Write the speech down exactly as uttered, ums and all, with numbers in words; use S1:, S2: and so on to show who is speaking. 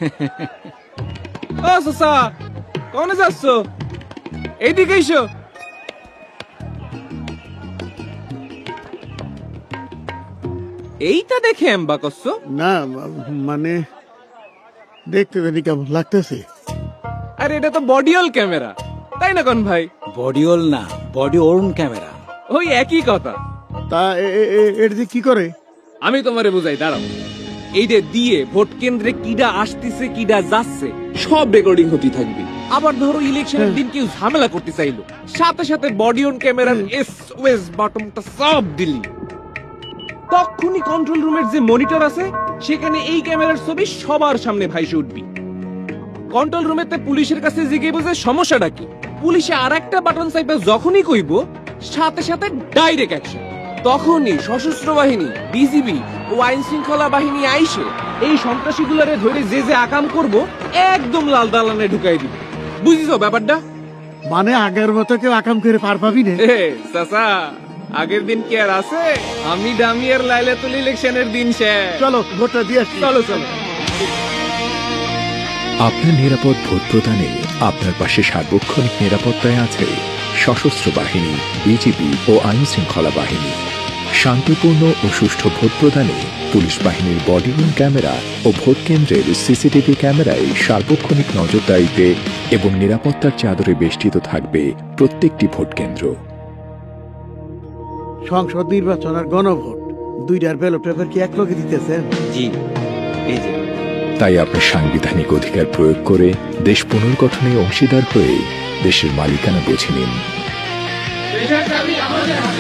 S1: ও সসা কোনে যাচ্ছ? এইদিকে এসো। এইটা দেখে এম্বা করছো?
S2: না মানে দেখতে জানি কেমন লাগতেছে।
S1: আরে এটা তো বডিওল ক্যামেরা, তাই না কোন ভাই?
S3: বডিওল না, বডি ওর্ন ক্যামেরা।
S1: ওই একই কথা।
S2: তা এর যে কি করে?
S1: আমি তোমারে বুঝাই, দাঁড়াও। এইটা দিয়ে ভোট কেন্দ্রে কিডা আসতেছে কিডা যাচ্ছে সব রেকর্ডিং হতে থাকবে। আবার ধরো ইলেকশনের দিন কেউ ঝামেলা করতে চাইলো, সাথে সাথে বডি অন ক্যামেরার এসওএস বাটনটা সব দিলি, তখনই কন্ট্রোল রুমের যে মনিটর আছে সেখানে এই ক্যামেরার ছবি সবার সামনে ভাইসে উঠবি। কন্ট্রোল রুমেতে পুলিশের কাছে জিজ্ঞেস বুঝে সমস্যাটা কি, পুলিশে আর একটা বাটন চাইবে যখনই কইব সাথে সাথে ডাইরেক্ট অ্যাকশন। তখনই সশস্ত্র বাহিনী, বিজিবি ও আইন শৃঙ্খলা বাহিনী আইসে এই সন্ত্রাসীগুলারে ধরে যে যে আকাম করব একদম লাল দালানে ঢুকাই দিবে। বুঝিছো ব্যাপারটা?
S2: মানে আগের মতো কেউ আকাম করে পার পাবি না।
S1: এ চাচা, আগের দিন কি আর আছে? আমি ডামিয়ার লাইলাতুল ইলেকশনের দিন শেষ।
S2: চলো ভোটটা দিয়ে আসি।
S1: চলো চলো।
S4: আপনার নিরাপদ ভোট প্রদানে আপনার পাশে সার্বক্ষণিক নিরাপত্তায় আছে সশস্ত্র বাহিনী, বিজিবি ও আইন শৃঙ্খলা বাহিনী। শান্তিপূর্ণ ও সুষ্ঠু ভোট প্রদানে পুলিশ বাহিনীর বডি ওর্ন ক্যামেরা ও ভোট কেন্দ্রের সিসিটিভি ক্যামেরায় সার্বক্ষণিক নজরদারিতে এবং নিরাপত্তার চাদরে বেষ্টিত থাকবে প্রত্যেকটি ভোট কেন্দ্র।
S2: সংসদ নির্বাচন আর গণভোট দুইটার ব্যালট পেপার কি এক লগে দিতেছেন?
S3: জি, এই যে।
S4: তাই আপনার সাংবিধানিক অধিকার প্রয়োগ করে দেশ পুনর্গঠনে অংশীদার হয়ে দেশের মালিকানা বুঝে নিন।